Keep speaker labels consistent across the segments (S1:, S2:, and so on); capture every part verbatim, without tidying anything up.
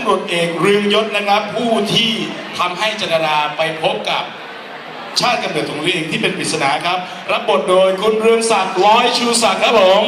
S1: ำรวจเอกเรืองยศนะครับผู้ที่ทำให้จันดาราไปพบกับชาติกำเนิดของตัวเองที่เป็นปริศนาครับรับบทโดยคุณเรืองศักดิ์ร้อยชูศักดิ์ครับผม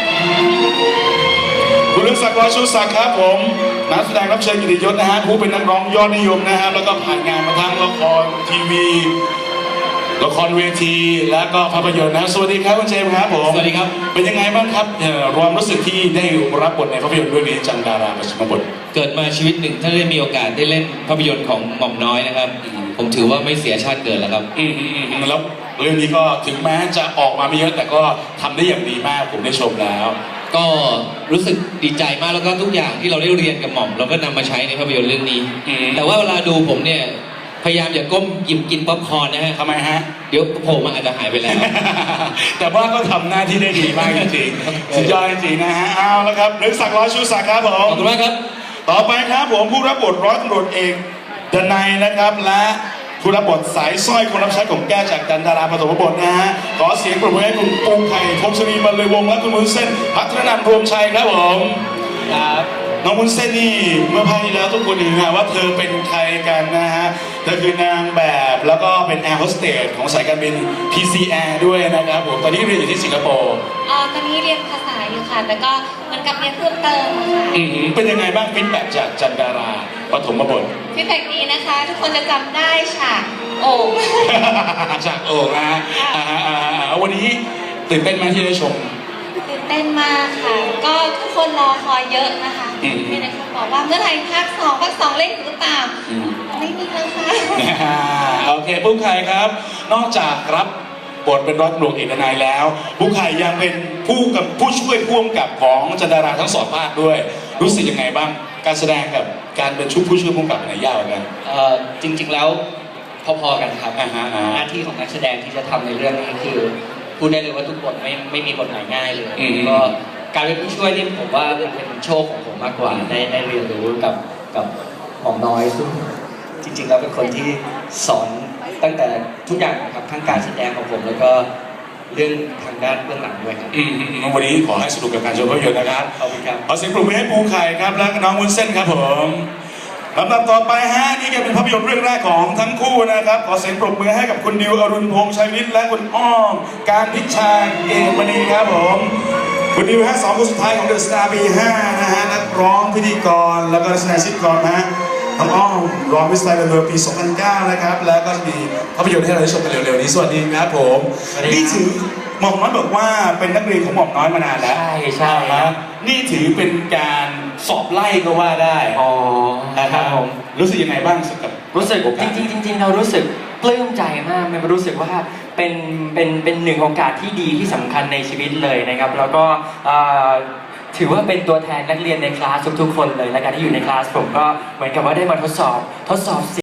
S1: คุณเรืองศักดิ์ร้อยชูศักดิ์ครับผมนักแสดงรับเชิญกิตติยศนะฮะผู้เป็นนักร้องยอดนิยมนะฮะแล้วก็ผ่านงานมาทั้งละครทีวีละครเวทีและก็ภาพยนตร์นะสวัสดีครับคุณเจมส์ครับผม
S2: สวัสดีครับ
S1: เป็นยังไงบ้างครับความรู้สึกที่ได้รับบทในภาพยนตร์เรื่องนี้จันดาราปฐมบท
S2: เกิดมาชีวิตหนึ่งถ้าได้มีโอกาสได้เล่นภาพยนตร์ของหม่อมน้อยนะครับผมถือว่าไม่เสียชาติเกิดแล้วครับ
S1: อืมอืมแล้วเรื่องนี้ก็ถึงแม้จะออกมาไม่เยอะแต่ก็ทำได้อย่างดีมากผมได้ชมแล้ว
S2: ก็รู้สึกดีใจมากแล้วก็ทุกอย่างที่เราได้เรียนกับหม่อมเราก็นำมาใช้ในภาพยนตร์เรื่องนี้แต่ว่าเวลาดูผมเนี่ยพยายามอย่าก้มหยิบกินป๊อปคอร์นนะฮะ
S1: ทำไมฮะ
S2: เดี๋ยวผมอาจจะหายไปแล้ว
S1: แต่ว่าก็ทำหน้าที่ได้ดีมากจริงๆสุดยอดจริงๆนะฮะเอาละครับเรืองศักดิ์ร้อยชูศักดิ์ครับผม
S2: ขอบคุณมากครับ
S1: ต่อไปครับผมผู้รับบทร้อยตำรวจเอกดนัยนะครับและผู้รับบทสายสร้อยคนรับใช้ของแก้วจากจันดาราปฐมบทนะฮะขอเสียงปรบมือให้คุณปูไข่พงศรีบรรลือวงศ์และคุณมุ้นเส้นพัฒนันท์รวมชัยครับผม
S2: ครับ
S1: น้องมุ้นเส้นนี่เมื่อภาคที่แล้วทุกคนเห็นนะว่าเธอเป็นใครกันนะฮะเธอคือนางแบบแล้วก็เป็นแอร์โฮสเตสของสายการบิน พี ซี แอร์ ด้วยนะครับผมตอนนี้เรียนอยู่ที่สิงคโปร์
S3: อ๋อตอนนี้เรียนภาษาอยู่ค่ะแต่ก็เหมือนกับเรียนเพิ่มเติมค่ะ
S1: อืมเป็นยังไงบ้างฟีดแบ็กจากจันดาราปฐมบท
S3: ฟีดแบ็กดีนะคะทุกคนจะจำได้ฉากโอ่ง
S1: ฉากโอ่งนะอ่าอ่าวันนี้ตื่นเต้นไหมที่ได้ชม
S3: ตื่นเต้นมากค่ะก็ทุกคนรอคอยเยอะนะคะมีแต่คนบอกว่าเมื่อไหร่ภาคสองภาคสองเล่นหรือเปล่าไม่มีแล้วค่ะ
S1: โอเคปุ๊กไข่ครับนอกจากรับบทเป็นร้อยตำรวจเอกนายแล้วปุ๊กไข่ยังเป็นผู้กับผู้ช่วยผู้กำกับของจันดาราทั้งสองภาคด้วยรู้สึกยังไงบ้างการแสดงกับการเป็นชุดผู้ช่วยผู้กำกับไหนยากกว่ากัน
S4: เอ่อจริงๆแล้วพอๆกันครับหน้าที่ของนักแสดงที่จะทำในเรื่องนี้คือพูดได้เลยว่าทุกบทไม่ไม่มีบทไหนง่ายเลยก็การเป็นผู้ช่วยนี่ผมว่ามันเป็นโชคของผมมากกว่าได้ได้เรียนรู้กับกับหม่อมน้อยซึ่งจริงๆแล้วเป็นคนที่สอนตั้งแต่ทุกอย่างครับทั้งการแสดงของผมแล้วก็เรื่องทางด้านเบื้องหลังด้วยครับ
S1: วันนี้ขอให้สนุกกับการชมภาพยนตร์นะครับ
S4: ขอบคุณครับ
S1: ขอเสียงปรบมือให้ปูไข่ครับและน้องวุ้นเส้นครับผมลำดับต่อไปฮะนี่ก็เป็นภาพยนตร์เรื่องแรกของทั้งคู่นะครับขอเสียงปรบมือให้กับคุณดิวอรุณพงษ์ชัยวิทย์และคุณอ้อมการพิชาเกตมณีครับผมคุณดิวฮะสองคนสุดท้ายของเดอะสตาร์ บี ห้า นะฮะนักร้องพิธีกรแล้วก็นักแสดงซิทคอมนะน้องอ้อมร้องมิสไตล์เบอร์ปีสองพันเก้านะครับแล้วก็มีภาพยนตร์ให้เราได้ชมกันเร็วๆนี้สวัสดีครับผมนี่ถือหม่อมน้อยบอกว่าเป็นนักเรียนของหม่อมน้อยมานานแล้ว
S4: ใช่ใช่ครับ
S1: นี่ถือเป็นการสอบไล่ก็ว่าได้
S4: อ๋อ
S1: นะครับผมรู้สึกยังไงบ้างกับ
S4: รู้สึกจริงๆจริงๆเรารู้สึกปลื้มใจมากมันรู้สึกว่าเป็นเป็นเป็นหนึ่งโอกาสที่ดีที่สำคัญในชีวิตเลยนะครับแล้วก็ถือว่าเป็นตัวแทนนักเรียนในคลาสทุกๆคนเลยและการที่อยู่ในคลาสผมก็เหมือนกับว่าได้มาทดสอบทดสอบ